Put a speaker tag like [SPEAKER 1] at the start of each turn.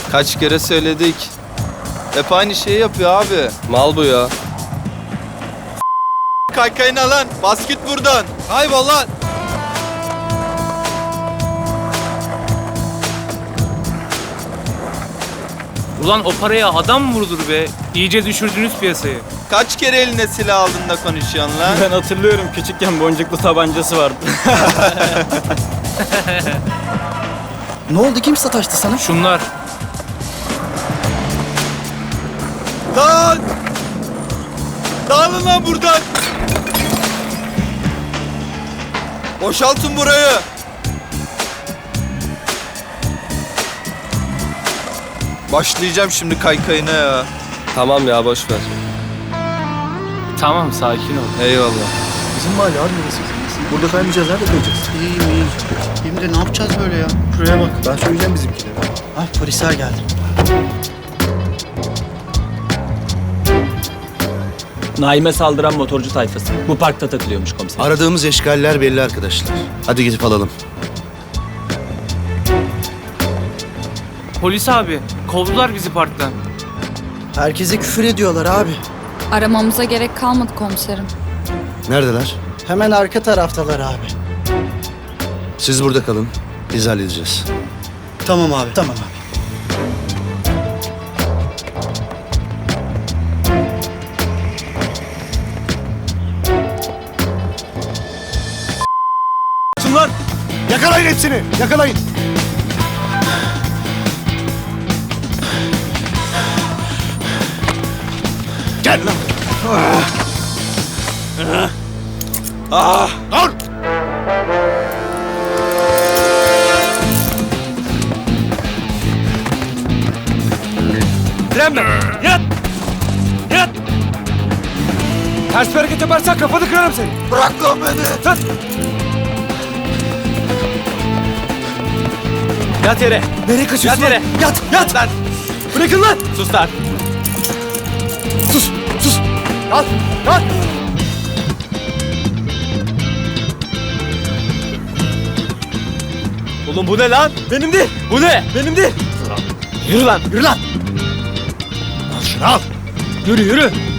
[SPEAKER 1] Kaç kere söyledik. Hep aynı şeyi yapıyor abi. Mal bu ya. Kaykayını lan. Bas git buradan. Kaybol lan.
[SPEAKER 2] Ulan o paraya adam mı vurulur be? İyice düşürdünüz piyasayı.
[SPEAKER 1] Kaç kere eline silah aldın da konuşuyorsun lan?
[SPEAKER 3] Ben hatırlıyorum, küçükken boncuklu tabancası vardı.
[SPEAKER 4] Ne oldu? Kim sataştı sana?
[SPEAKER 2] Şunlar.
[SPEAKER 1] Lan! Dağılın lan buradan! Boşaltın burayı! Başlayacağım şimdi kaykayına ya. Tamam ya, boş ver.
[SPEAKER 2] Tamam sakin ol.
[SPEAKER 1] Eyvallah.
[SPEAKER 4] Bizim mahalle abi burası. Burada kaymayacağız. Nerede kayacağız? İyiyim. Hem de ne yapacağız böyle ya? Şuraya bak. Ben söyleyeceğim bizimkilere. Ah, polisler geldi.
[SPEAKER 3] Naime saldıran motorcu tayfası. Bu parkta takılıyormuş komiser.
[SPEAKER 5] Aradığımız eşgaller belli arkadaşlar. Hadi gidip alalım.
[SPEAKER 2] Polis abi kovdular bizi parktan.
[SPEAKER 4] Herkese küfür ediyorlar abi.
[SPEAKER 6] Aramamıza gerek kalmadı komiserim.
[SPEAKER 5] Neredeler?
[SPEAKER 4] Hemen arka taraftalar abi.
[SPEAKER 5] Siz burada kalın. Biz halledeceğiz.
[SPEAKER 4] Tamam abi. Tamam abi.
[SPEAKER 5] Şunlar! Yakalayın hepsini! Yakalayın! Gel lan! Dur!
[SPEAKER 3] Direnme! Yat! Yat! Ters bir hareket yaparsan kafanı kırarım seni.
[SPEAKER 1] Bırak lan beni!
[SPEAKER 3] Tut! Yat yere. Nereye kaçıyorsun? Yat yere. Yat! Yat! Lan! Bırakın lan! Sus lan! Sus! Sus! Yat! Yat! Oğlum bu ne lan? Benim değil. Bu ne? Benim değil. Yürü lan. Yürü lan.
[SPEAKER 5] Al şunu al!
[SPEAKER 3] Yürü yürü.